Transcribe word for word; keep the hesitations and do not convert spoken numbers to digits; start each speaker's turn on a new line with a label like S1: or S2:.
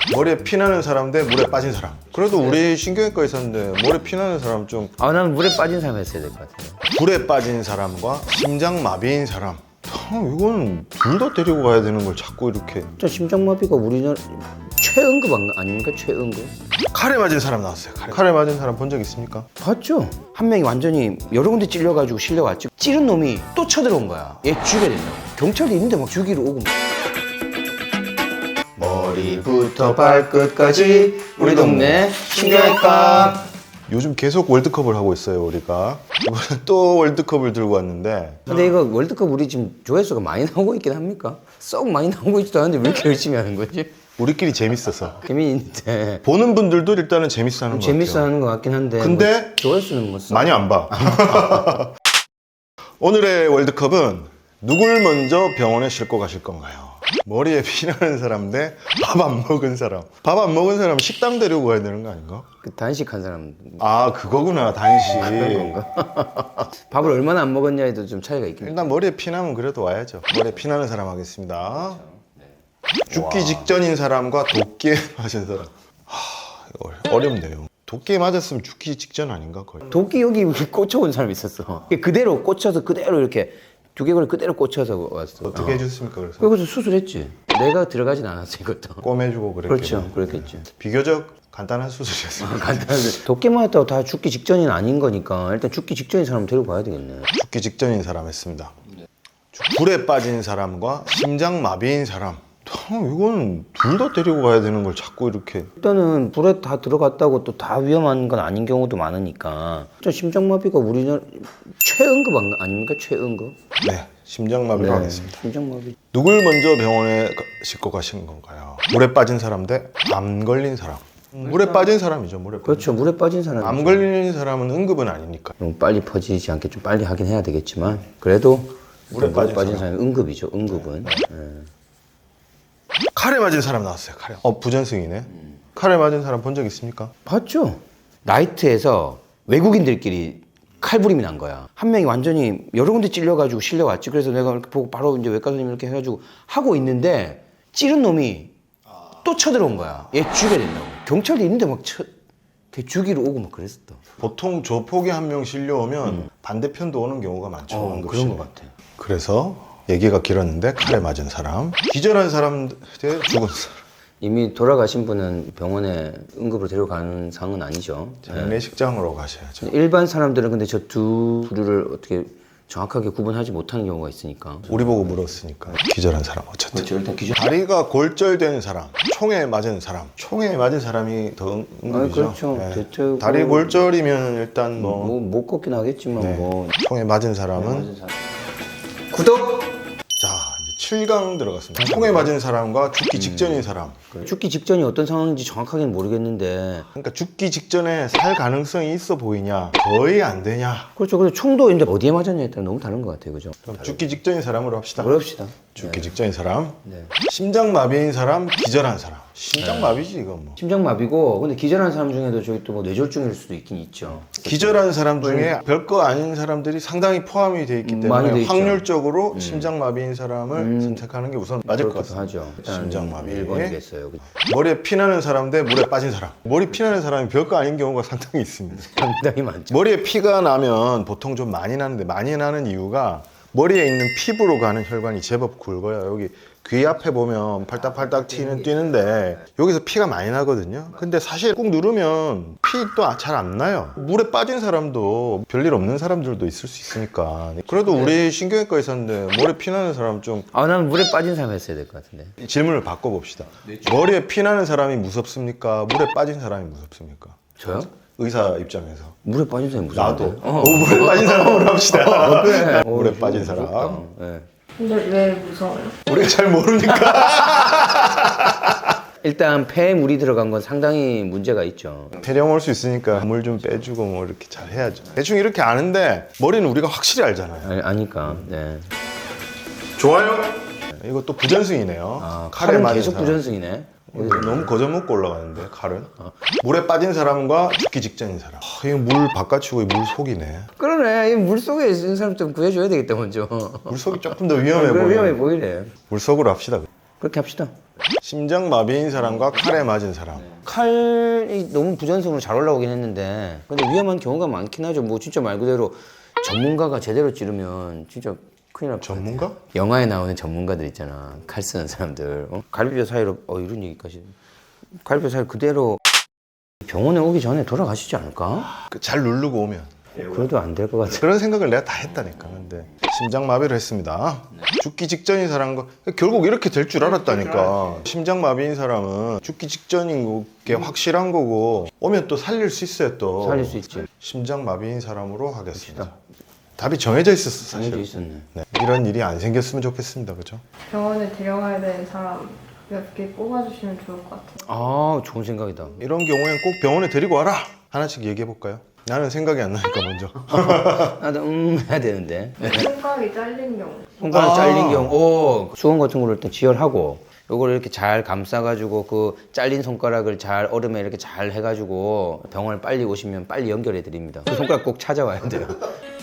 S1: 머리에 피나는 사람 대 물에 빠진 사람. 그래도 우리 신경외과 있었는데 머리에 피나는 사람 좀.
S2: 아, 난 물에 빠진 사람 했어야 될 것 같은데.
S1: 불에 빠진 사람과 심장마비인 사람. 참, 이건 둘 다 데리고 가야 되는 걸 자꾸 이렇게.
S2: 진짜 심장마비가 우리나라 최응급 아닙니까? 최응급?
S1: 칼에 맞은 사람 나왔어요. 칼에, 칼에 맞은 사람 본 적 있습니까?
S2: 봤죠? 한 명이 완전히 여러 군데 찔려가지고 실려왔지. 찌른 놈이 또 쳐들어온 거야. 얘 죽여야 된다고. 경찰이 있는데 막 죽이러 오고.
S1: 머리부터 발끝까지 우리 동네 신경외과. 요즘 계속 월드컵을 하고 있어요, 우리가. 이번에 또 월드컵을 들고 왔는데.
S2: 근데 이거 월드컵 우리 지금 조회수가 많이 나오고 있긴 합니까? 썩 많이 나오고 있지도 않은데 왜 이렇게 열심히 하는 거지?
S1: 우리끼리 재밌어서.
S2: 재미있는데.
S1: 보는 분들도 일단은 재밌어 하는 것 같아요.
S2: 재밌어 하는 것 같긴 한데.
S1: 근데
S2: 뭐 조회수는 뭐 썩.
S1: 많이 안 봐. 오늘의 월드컵은 누굴 먼저 병원에 싣고 가실 건가요? 머리에 피나는 사람 대 밥 안 먹은 사람. 밥 안 먹은 사람 식당 데리고 가야 되는 거 아닌가?
S2: 그 단식한 사람.
S1: 아, 그거구나, 단식.
S2: 밥을 얼마나 안 먹었냐에도 좀 차이가 있긴 해.
S1: 일단 머리에 피나면 그래도 와야죠. 머리에 피나는 사람 하겠습니다. 죽기 직전인 사람과 도끼에 맞은 사람. 하, 이거 어렵네요. 도끼에 맞았으면 죽기 직전 아닌가 거의.
S2: 도끼 여기 꽂혀온 사람이 있었어. 그대로 꽂혀서 그대로 이렇게 두개골 그대로 꽂혀서 왔어.
S1: 어떻게 해줬습니까 그래서?
S2: 그래서 수술했지. 내가 들어가진 않았어 이것도.
S1: 꼬매주고 그랬겠네.
S2: 그렇죠, 그랬겠지.
S1: 비교적 간단한 수술이었습니다.
S2: 간단한데 도끼 맞았다고 다 죽기 직전이 아닌 거니까 일단 죽기 직전인 사람 데리고 가야 되겠네.
S1: 죽기 직전인 사람 했습니다. 불에 빠진 사람과 심장마비인 사람. 참, 이건 둘 다 데리고 가야 되는 걸 자꾸 이렇게.
S2: 일단은 불에 다 들어갔다고 또 다 위험한 건 아닌 경우도 많으니까. 일단 심장마비가 우리나라 최응급 안- 아닙니까? 최응급.
S1: 네, 심장마비로 하겠습니다.
S2: 심장마비.
S1: 누굴 먼저 병원에 가- 싣고 가신 건가요? 물에 빠진 사람 대 암 걸린 사람. 물에 빠진 사람이죠, 물에 빠진.
S2: 그렇죠. 물에 빠진 사람.
S1: 암 걸린 사람은 응급은 아니니까.
S2: 너무 빨리 퍼지지 않게 좀 빨리 하긴 해야 되겠지만 그래도
S1: 물에
S2: 물에
S1: 빠진
S2: 빠진,
S1: 사람.
S2: 사람이 응급이죠. 응급은. 예.
S1: 칼에 맞은 사람 나왔어요, 칼에. 어, 부전승이네. 칼에 맞은 사람 본 적 있습니까?
S2: 봤죠? 나이트에서 외국인들끼리 칼부림이 난 거야. 한 명이 완전히 여러 군데 찔려가지고 실려왔지. 그래서 내가 이렇게 보고 바로 이제 외과 선생님 이렇게 해가지고 하고 있는데 찌른 놈이 또 쳐들어온 거야. 얘 죽여야 된다고. 경찰이 있는데 막 쳐, 걔 죽이러 오고 막 그랬었다.
S1: 보통 조폭이 한 명 실려오면 반대편도 오는 경우가 많죠.
S2: 어,
S1: 응급실에.
S2: 그런 것 같아.
S1: 그래서 얘기가 길었는데 칼에 맞은 사람, 기절한 사람 대 죽은 사람.
S2: 이미 돌아가신 분은 병원에 응급으로 데려가는 상은 아니죠.
S1: 장례식장으로 가셔야죠.
S2: 일반 사람들은 근데 저 두 부류를 어떻게 정확하게 구분하지 못하는 경우가 있으니까.
S1: 우리 보고 물었으니까 기절한 사람 어쨌든.
S2: 그렇죠. 일단 기준.
S1: 다리가 골절된 사람, 총에 맞은 사람. 총에 맞은 사람이 더 응- 응급이죠.
S2: 아, 그렇죠.
S1: 네.
S2: 대체로
S1: 다리 골절이면 일단 뭐,
S2: 뭐 못 걷긴 하겠지만
S1: 네.
S2: 뭐.
S1: 총에 맞은 사람은
S2: 구독.
S1: 자 이제 칠 강 들어갔습니다. 총에 맞은 사람과 죽기 직전인 사람.
S2: 죽기 직전이 어떤 상황인지 정확하게는 모르겠는데.
S1: 그러니까 죽기 직전에 살 가능성이 있어 보이냐, 거의 안 되냐.
S2: 그렇죠. 그래서 총도 근데 어디에 맞았냐에 따라 너무 다른 것 같아요, 그죠?
S1: 그럼 죽기 직전인 사람으로 합시다.
S2: 그럽시다.
S1: 죽기 직전인 사람,
S2: 네.
S1: 심장마비인 사람, 기절한 사람. 심장마비지 이건 뭐.
S2: 심장마비고, 근데 기절한 사람 중에도 저기 또 뭐 뇌졸중일 수도 있긴 있죠.
S1: 기절한 사람 중에 별거 아닌 사람들이 상당히 포함이 돼 있기
S2: 음, 많이
S1: 때문에
S2: 돼 있죠.
S1: 확률적으로 심장마비인 사람을 선택하는 게 우선 맞을 것
S2: 그렇기도
S1: 같습니다.
S2: 하죠. 일단
S1: 심장마비.
S2: 일 번이겠어요.
S1: 머리에 피나는 사람 대 물에 빠진 사람. 머리 피나는 사람이 별거 아닌 경우가 상당히 있습니다.
S2: 상당히 많죠.
S1: 머리에 피가 나면 보통 좀 많이 나는데, 많이 나는 이유가 머리에 있는 피부로 가는 혈관이 제법 굵어요. 여기 귀 앞에 보면 팔딱팔딱 튀는 뛰는데 여기서 피가 많이 나거든요. 근데 사실 꾹 누르면 피 또 잘 안 나요. 물에 빠진 사람도 별일 없는 사람들도 있을 수 있으니까. 그래도 우리 신경외과 있었는데 머리에 피 나는 사람 좀.
S2: 아, 나는 물에 빠진 사람 했어야 될 것 같은데.
S1: 질문을 바꿔봅시다. 머리에 피 나는 사람이 무섭습니까? 물에 빠진 사람이 무섭습니까?
S2: 저요?
S1: 의사 입장에서.
S2: 물에 빠진 사람이 무슨
S1: 나도. 어, 물에 빠진 사람으로 합시다.
S2: 그래.
S1: 물에
S2: 어,
S1: 빠진
S2: 무섭다.
S1: 사람.
S2: 네.
S3: 근데 왜 무서워요?
S1: 우리가 잘 모르니까.
S2: 일단 폐에 물이 들어간 건 상당히 문제가 있죠.
S1: 폐렴 올 수 있으니까 물 좀 빼주고 뭐 이렇게 잘 해야죠. 대충 이렇게 아는데 머리는 우리가 확실히 알잖아요.
S2: 아, 아니까. 네.
S1: 좋아요. 이거 또 부전승이네요.
S2: 아,
S1: 칼에
S2: 칼은
S1: 맞은
S2: 계속
S1: 사람.
S2: 부전승이네.
S1: 너무 거저먹고 올라가는데 칼은. 물에 빠진 사람과 죽기 직전인 사람. 아, 이거 물 바깥이고 물 속이네.
S2: 그러네. 이 물속에 있는 사람 좀 구해줘야 되겠다, 먼저.
S1: 물 속이 조금 더 위험해
S2: 그래,
S1: 보여.
S2: 위험해 보이네.
S1: 물 속으로 합시다.
S2: 그렇게 합시다.
S1: 심장마비인 사람과 칼에 맞은 사람.
S2: 칼이 너무 부전승으로 잘 올라오긴 했는데 근데 위험한 경우가 많긴 하죠. 뭐 진짜 말 그대로 전문가가 제대로 찌르면 진짜 큰일 날 뻔.
S1: 전문가?
S2: 영화에 나오는 전문가들 있잖아. 칼 쓰는 사람들. 어? 갈비뼈 사이로 어 이런 얘기까지. 갈비뼈 사이 그대로 병원에 오기 전에 돌아가시지 않을까?
S1: 그잘 누르고 오면.
S2: 그래도 안 될 것 같아.
S1: 그런 생각을 내가 다 했다니까. 근데 심장마비를 했습니다. 죽기 직전인 사람과 결국 이렇게 될 줄 알았다니까. 심장마비인 사람은 죽기 직전인 게 확실한 거고 오면 또 살릴 수 있어요 또.
S2: 살릴 수 있지.
S1: 심장마비인 사람으로 하겠습니다. 답이 정해져 있었어 사실.
S2: 정해져 있었네.
S1: 네. 이런 일이 안 생겼으면 좋겠습니다. 그죠?
S3: 병원에 데려가야 되는 사람 몇 개 뽑아주시면 좋을 것 같아요.
S2: 아 좋은 생각이다.
S1: 이런 경우엔 꼭 병원에 데리고 와라. 하나씩 얘기해 볼까요? 나는 생각이 안 나니까 먼저.
S2: 나도 음 해야 되는데.
S3: 손가락이 잘린 경우.
S2: 손가락
S1: 아.
S2: 잘린 경우, 오, 수건 같은 거를 일단 지혈하고, 요거를 이렇게 잘 감싸가지고, 그 잘린 손가락을 잘 얼음에 이렇게 잘 해가지고, 병원을 빨리 오시면 빨리 연결해 드립니다. 그 손가락 꼭 찾아와야 돼요.